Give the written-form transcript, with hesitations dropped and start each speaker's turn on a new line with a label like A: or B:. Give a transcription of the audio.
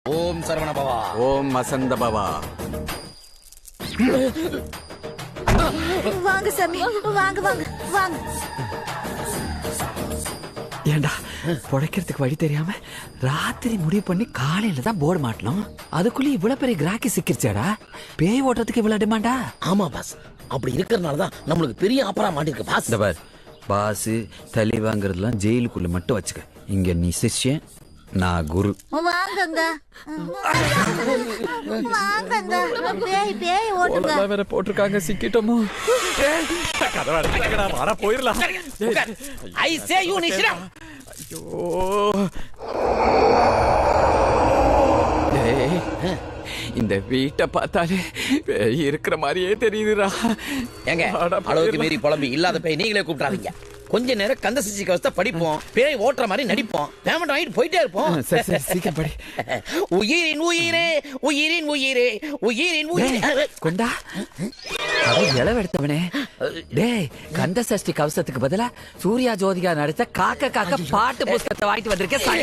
A: ஓம் சரவண பவா.
B: ஓம் வசந்த பவா.
C: வாங்க சாமி, வாங்க வாங்க வாங்க.
D: ஏண்டா புடைக்கிறதுக்கு வழி தெரியாம ராத்திரி முடிவு பண்ணி காலையில தான் போர்டு மாட்டணும். அதுக்குள்ள இவ்வளவு பெரிய கிராக்கி சிக்கிருச்சாடா. பேய் ஓட்டுறதுக்கு இவ்வளவு டிமாண்டா?
A: ஆமா பாஸ், அப்படி இருக்கறனாலதான் நம்மளுக்கு பெரிய ஆப்பரா மாட்டிருக்கு பாஸ்.
D: இந்த பார், பாசு தலி வாங்குறதுலாம் ஜெயிலுக்குள்ள மட்டும் வச்சுக்க. இங்க நீ சிஷ்யன், நான் குரு.
C: வாங்கங்க வாங்கங்க. பேய் பேய் ஓட்டுங்க.
D: வேற போட்டிருக்காங்க, சிக்கிட்டோமோ? வர போயிடலாம்.
A: I say you Nishra.
D: ஐயோ டேய், இந்த வீட்டை பார்த்தாலே பேய் இருக்கிற மாதிரியே தெரியுதுடா.
A: ஏங்க அளவுக்கு மீறி புலம்பி இல்லாத பேய் நீங்களே கூப்பிடாதீங்க. கொஞ்ச நேரம் கந்த சிசி கவசத்தை படிப்போம், பேய் ஓட்டுற மாதிரி நடிப்போம், பேமெண்ட் வாங்கிட்டு போயிட்டே இருப்போம்.
D: சரி சரி, சீக்கிரம் படி.
A: உயிரின் உயிரே உயிரின் உயிரே உயிரின் உயிரே.
D: கொண்டா இளவெடுத்தவனே. டேய், கந்த சஷ்டி கவசத்துக்கு பதிலா சூர்யா ஜோதிகா நடித்த காக்க காக்க பாட்டு புஸ்தகத்தை வாங்கிட்டு வந்திருக்கேன்.